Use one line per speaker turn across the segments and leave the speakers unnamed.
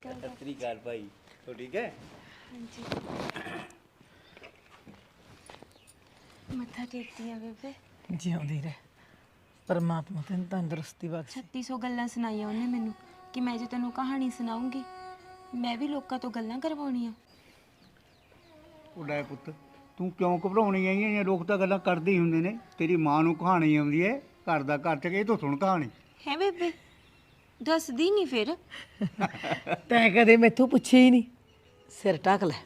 ਸਤਿ ਸ੍ਰੀ ਅਕਾਲ ਭਾਈ। ਹੋ ਠੀਕ ਹੈ?
ਹਾਂਜੀ। ਮੱਥਾ ਟੇਕਦੀ ਆ ਬੇਬੇ।
ਜਿਉਂਦੀ ਰਹਿ, ਪਰਮਾਤਮਾ ਤੈਨੂੰ ਤੰਦਰੁਸਤੀ ਬਖਸ਼ੇ।
3600 ਗੱਲਾਂ ਸੁਣਾਈਆਂ ਉਹਨੇ ਮੈਨੂੰ ਕਿ ਮੈਂ ਜੇ ਤੈਨੂੰ ਕਹਾਣੀ ਸੁਣਾਉਂਗੀ ਮੈਂ ਵੀ ਲੋਕਾਂ ਤੋਂ ਗੱਲਾਂ ਕਰਵਾਉਣੀਆਂ।
ਉਹਦਾ ਪੁੱਤ ਤੂੰ ਕਿਉਂ ਘਬਰਾਉਣੀ ਆਈ ਹੈ? ਲੋਕ ਤਾਂ ਗੱਲਾਂ ਕਰਦੇ ਹੀ ਹੁੰਦੇ ਨੇ। ਤੇਰੀ ਮਾਂ ਨੂੰ ਕਹਾਣੀ ਆਉਂਦੀ ਹੈ, ਘਰ ਦਾ ਘਰ ਚ ਇਹ ਤੋਂ ਸੁਣ ਕਹਾਣੀ।
ਹੈ ਬੇਬੇ, ਦੱਸਦੀ ਨਹੀਂ ਫਿਰ।
ਤੈਂ ਕਦੇ ਮੈਥੋਂ ਪੁੱਛਿਆ ਹੀ ਨਹੀਂ। ਸਿਰ ਢੱਕ ਲੈ।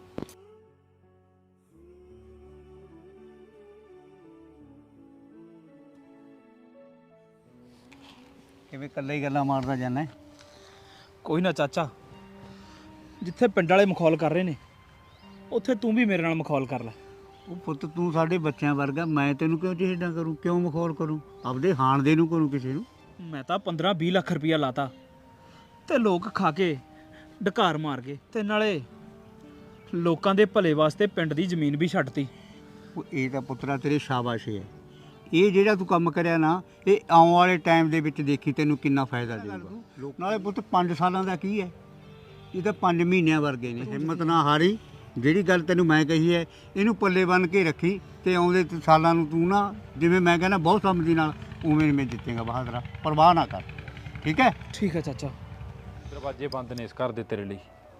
ਕਿਵੇਂ ਇਕੱਲਾ ਹੀ ਗੱਲਾਂ ਮਾਰਦਾ ਜਾਂਦਾ?
ਕੋਈ ਨਾ ਚਾਚਾ, ਜਿੱਥੇ ਪਿੰਡ ਵਾਲੇ ਮਖੌਲ ਕਰ ਰਹੇ ਨੇ ਉੱਥੇ ਤੂੰ ਵੀ ਮੇਰੇ ਨਾਲ ਮਖੌਲ ਕਰ ਲੈ।
ਉਹ ਪੁੱਤ ਤੂੰ ਸਾਡੇ ਬੱਚਿਆਂ ਵਰਗਾ, ਮੈਂ ਤੈਨੂੰ ਕਿਉਂ ਚਿਹੜਾ ਕਰੂੰ, ਕਿਉਂ ਮਖੌਲ ਕਰੂੰ? ਆਪਦੇ ਹਾਣ ਦੇ ਨੂੰ ਕਰੂੰ ਕਿਸੇ ਨੂੰ।
ਮੈਂ ਤਾਂ 15-20 ਲੱਖ ਰੁਪਇਆ ਲਾਤਾ ਤੇ ਲੋਕ ਖਾ ਕੇ ਢਕਾਰ ਮਾਰ ਗਏ ਤੇ ਨਾਲੇ ਲੋਕਾਂ ਦੇ ਭਲੇ ਵਾਸਤੇ ਪਿੰਡ ਦੀ ਜ਼ਮੀਨ ਵੀ ਛੱਡਤੀ।
ਉਹ ਇਹ ਤਾਂ ਪੁੱਤਰਾ ਤੇਰੇ ਸ਼ਾਬਾਸ਼ ਹੈ। ਇਹ ਜਿਹੜਾ ਤੂੰ ਕੰਮ ਕਰਿਆ ਨਾ, ਇਹ ਆਉਣ ਵਾਲੇ ਟਾਈਮ ਦੇ ਵਿੱਚ ਦੇਖੀ ਤੈਨੂੰ ਕਿੰਨਾ ਫਾਇਦਾ ਦੇਊਗਾ। ਨਾਲੇ ਪੁੱਤ 5 ਸਾਲਾਂ ਦਾ ਕੀ ਹੈ, ਇਹ ਤਾਂ 5 ਮਹੀਨਿਆਂ ਵਰਗੇ ਨੇ। ਹਿੰਮਤ ਨਾ ਹਾਰੀ। ਜਿਹੜੀ ਗੱਲ ਤੈਨੂੰ ਮੈਂ ਕਹੀ ਹੈ ਇਹਨੂੰ ਪੱਲੇ ਬੰਨ੍ਹ ਕੇ ਰੱਖੀ ਤੇ ਆਉਂਦੇ ਸਾਲਾਂ ਨੂੰ ਤੂੰ ਨਾ, ਜਿਵੇਂ ਮੈਂ ਕਹਿੰਦਾ ਬਹੁਤ ਸਮਝੀ ਨਾਲ, ਉਵੇਂ ਮੈਂ ਜਿੱਤੇਗਾ ਬਹਾਦਰਾ। ਪਰਵਾਹ ਨਾ ਕਰ, ਠੀਕ ਹੈ?
ਠੀਕ ਹੈ ਚਾਚਾ।
ਦਰਵਾਜ਼ੇ ਬੰਦ ਨੇ ਇਸ ਘਰ ਦੇ ਤੇਰੇ ਲਈ।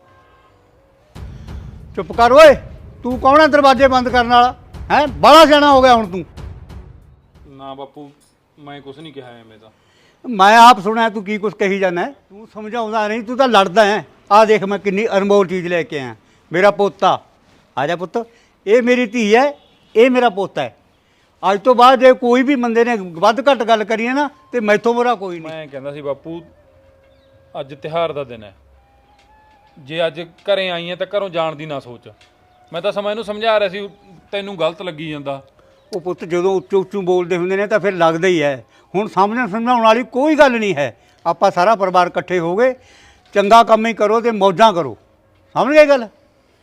ਚੁੱਪ ਕਰ ਓਏ। ਤੂੰ ਕੌਣ ਹੈ ਦਰਵਾਜ਼ੇ ਬੰਦ ਕਰਨ ਵਾਲਾ? ਹੈ ਬੜਾ ਸਿਆਣਾ ਹੋ ਗਿਆ ਹੁਣ ਤੂੰ।
ਨਾ ਬਾਪੂ, ਮੈਂ ਕੁਝ ਨਹੀਂ ਕਿਹਾ ਐਵੇਂ ਤਾਂ।
ਮੈਂ ਆਪ ਸੁਣਿਆ ਤੂੰ ਕੀ ਕੁਛ ਕਹੀ ਜਾਂਦਾ। ਤੂੰ ਸਮਝਾਉਂਦਾ ਨਹੀਂ, ਤੂੰ ਤਾਂ ਲੜਦਾ ਹੈ। ਆਹ ਦੇਖ ਮੈਂ ਕਿੰਨੀ ਅਨਮੋਲ ਚੀਜ਼ ਲੈ ਕੇ ਆਇਆ। ਮੇਰਾ ਪੋਤਾ, ਆ ਜਾ ਪੁੱਤ। ਇਹ ਮੇਰੀ ਧੀ ਹੈ, ਇਹ ਮੇਰਾ ਪੋਤਾ ਹੈ। ਅੱਜ ਤੋਂ ਬਾਅਦ ਜੇ ਕੋਈ ਵੀ ਬੰਦੇ ਨੇ ਵੱਧ ਘੱਟ ਗੱਲ ਕਰੀਏ ਨਾ ਤੇ ਮੈਥੋਂ ਬੁਰਾ ਕੋਈ ਨਹੀਂ।
ਮੈਂ ਕਹਿੰਦਾ ਸੀ ਬਾਪੂ, ਅੱਜ ਤਿਉਹਾਰ ਦਾ ਦਿਨ ਹੈ। ਜੇ ਅੱਜ ਘਰੇ ਆਈ ਹੈ ਤਾਂ ਘਰੋਂ ਜਾਣ ਦੀ ਨਾ ਸੋਚ। ਮੈਂ ਤਾਂ ਸਮਾਂ ਇਹਨੂੰ ਸਮਝਾ ਰਿਹਾ ਸੀ, ਤੈਨੂੰ ਗਲਤ ਲੱਗੀ ਜਾਂਦਾ।
ਉਹ ਪੁੱਤ ਜਦੋਂ ਉੱਚੋਂ ਉੱਚੋਂ ਬੋਲਦੇ ਹੁੰਦੇ ਨੇ ਤਾਂ ਫਿਰ ਲੱਗਦਾ ਹੀ ਹੈ। ਹੁਣ ਸਮਝਾਉਣ ਵਾਲੀ ਕੋਈ ਗੱਲ ਨਹੀਂ ਹੈ। ਆਪਾਂ ਸਾਰਾ ਪਰਿਵਾਰ ਇਕੱਠੇ ਹੋ ਗਏ, ਚੰਗਾ ਕੰਮ ਹੀ ਕਰੋ ਤੇ ਮੌਜਾਂ ਕਰੋ। ਸਮਝ ਗਏ ਗੱਲ?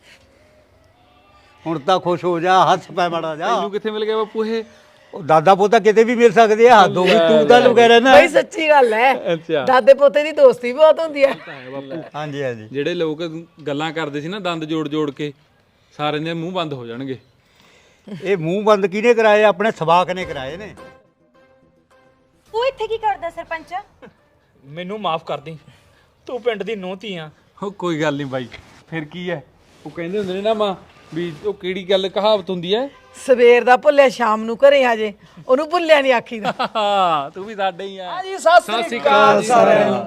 ਹੁਣ ਤਾਂ ਖੁਸ਼ ਹੋ ਜਾ, ਹੱਸ ਪੈ ਮਾੜਾ ਜਾ।
ਤੈਨੂੰ ਕਿੱਥੇ ਮਿਲ ਗਿਆ ਬਾਪੂ ਇਹ?
ਉਹ ਦਾਦਾ ਪੋਤਾ ਕਿਤੇ ਵੀ ਮਿਲ ਸਕਦੇ ਆ। ਹੱਦ ਹੋ ਗਈ, ਤੂੰ ਤਾਂ ਲੁਕਿਆ ਰਹਿਣਾ।
ਬਈ ਸੱਚੀ ਗੱਲ ਹੈ।
ਅੱਛਾ।
ਦਾਦੇ ਪੋਤੇ ਦੀ ਦੋਸਤੀ ਬਹੁਤ ਹੁੰਦੀ ਹੈ।
ਬਾਪੂ
ਹਾਂਜੀ ਹਾਂਜੀ।
ਜਿਹੜੇ ਲੋਕ ਗੱਲਾਂ ਕਰਦੇ ਸੀ ਨਾ ਦੰਦ ਜੋੜ ਜੋੜ ਕੇ, ਸਾਰਿਆਂ ਦੇ ਮੂੰਹ ਬੰਦ ਹੋ ਜਾਣਗੇ।
ਇਹ ਮੂੰਹ ਬੰਦ ਕਿਹਨੇ ਕਰਾਏ? ਆਪਣੇ ਸਵਾਕ ਨੇ ਕਰਾਏ ਨੇ।
ਉਹ ਇੱਥੇ ਕੀ ਕਰਦਾ ਸਰਪੰਚ?
ਮੈਨੂੰ ਮਾਫ ਕਰ ਦੀ, ਤੂੰ ਪਿੰਡ ਦੀ ਨੂੰਹ ਧੀ ਆ।
ਉਹ ਕੋਈ ਗੱਲ ਨਹੀਂ ਬਾਈ, ਫਿਰ ਕੀ ਹੈ? ਉਹ ਕਹਿੰਦੇ ਹੁੰਦੇ ਨੇ ਨਾ ਮਾਂ ਵੀ, ਉਹ ਕਿਹੜੀ ਗੱਲ ਕਹਾਵਤ ਹੁੰਦੀ ਹੈ?
ਸਵੇਰ ਦਾ ਭੁੱਲਿਆ ਸ਼ਾਮ ਨੂੰ ਘਰੇ ਆ ਜੇ, ਉਹਨੂੰ ਭੁੱਲਿਆ ਨਹੀਂ ਆਖੀਦਾ।
ਤੂੰ ਵੀ ਸਾਡੇ ਹੀ ਆ।
ਹਾਂਜੀ, ਸਤਿ ਸ੍ਰੀ ਅਕਾਲ ਸਾਰਿਆਂ ਨੂੰ।